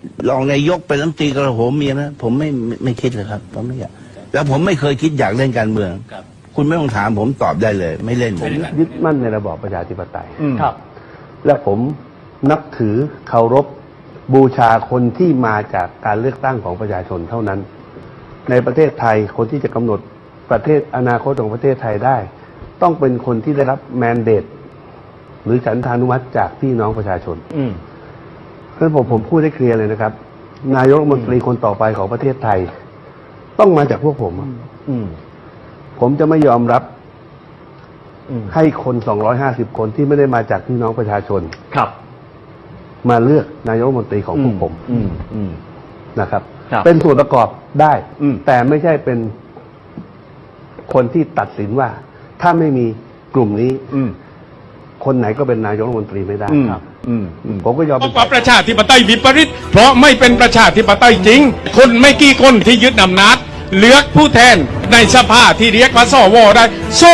รองนายกเป็นรัฐมนตรีกระโหมมีนะผมไม่คิดเลยครับผมไม่อยากแล้วผมไม่เคยคิดอยากเล่นการเมืองคุณไม่ต้องถามผมตอบได้เลย ไม่เล่นผมยึดมั่นในระบอบประชาธิปไตยครับและผมนับถือเคารพบูชาคนที่มาจากการเลือกตั้งของประชาชนเท่านั้นในประเทศไทยคนที่จะกำหนดประเทศอนาคตของประเทศไทยได้ต้องเป็นคนที่ได้รับแมนเดตหรือฉันทานุมัติจากพี่น้องประชาชนเพราะฉะนั้นผมพูดได้เคลียร์เลยนะครับนายกรัฐมนตรีคนต่อไปของประเทศไทยต้องมาจากพวกผมผมจะไม่ยอมรับให้คน250คนที่ไม่ได้มาจากพี่น้องประชาชนครับมาเลือกนายกรัฐมนตรีของพวกผมนะครับครับเป็นส่วนประกอบได้แต่ไม่ใช่เป็นคนที่ตัดสินว่าถ้าไม่มีกลุ่มนี้คนไหนก็เป็นนายกรัฐมนตรีไม่ได้ครับผมก็ยอมเป็นเพราะประชาธิปไตยวิปริตเพราะไม่เป็นประชาธิปไตยจริงคนไม่กี่คนที่ยึดอำนาจเลือกผู้แทนในสภาที่เรียกว่าสวได้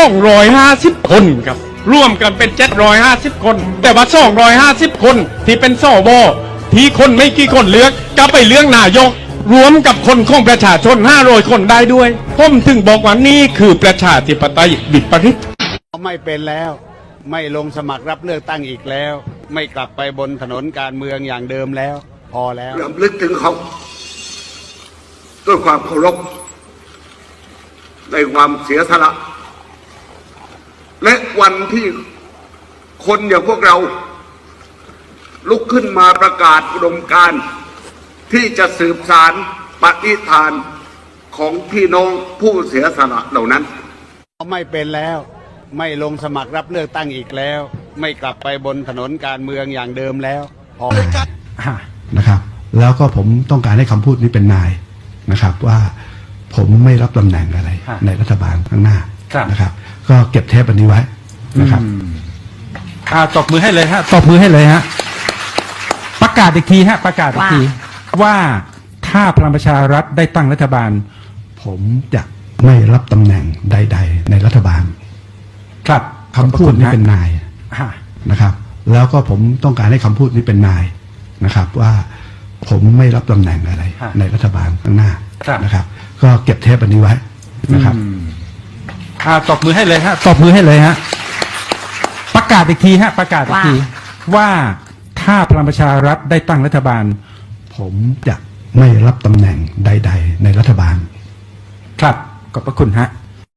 250คนครับร่วมกันเป็น750คนแต่ว่า250คนที่เป็นสวที่คนไม่กี่คนเลือกก็ไปเลือกนายกรวมกับคนของประชาชน500คนได้ด้วยผมถึงบอกว่านี่คือประชาธิปไตยวิปริตไม่เป็นแล้วไม่ลงสมัครรับเลือกตั้งอีกแล้วไม่กลับไปบนถนนการเมืองอย่างเดิมแล้วพอแล้วรำลึกถึงเขาด้วยความเคารพในความเสียสละและวันที่คนอย่างพวกเราลุกขึ้นมาประกาศอุดมการณ์ที่จะสืบสานปฏิฐานของพี่น้องผู้เสียสละเหล่านั้นไม่เป็นแล้วไม่ลงสมัครรับเลือกตั้งอีกแล้วไม่กลับไปบนถนนการเมืองอย่างเดิมแล้วพอนะครับแล้วก็ผมต้องการให้คำพูดนี้เป็นนายนะครับว่าผมไม่รับตำแหน่งอะไรในรัฐบาลข้างหน้านะครับก็เก็บเทปอันนี้ไว้นะครับตบมือให้เลยฮะตบมือให้เลยฮะประกาศอีกทีฮะประกาศอีกทีว่าถ้าพลังประชารัฐได้ตั้งรัฐบาลผมจะไม่รับตำแหน่งใดๆในรัฐบาลครับคำพูดนี้เป็นนายนะครับแล้วก็ผมต้องการให้คำพูดนี้เป็นนายนะครับว่าผมไม่รับตำแหน่งอะไรในรัฐบาลข้างหน้านะครับก็เก็บเทปอันนี้ไว้นะครับตบมือให้เลยฮะตบมือให้เลยฮะประกาศอีกทีฮะประกาศอีกทีว่าถ้าพลังประชารัฐได้ตั้งรัฐบาลผมจะไม่รับตำแหน่งใดๆในรัฐบาลครับขอบพระคุณฮะ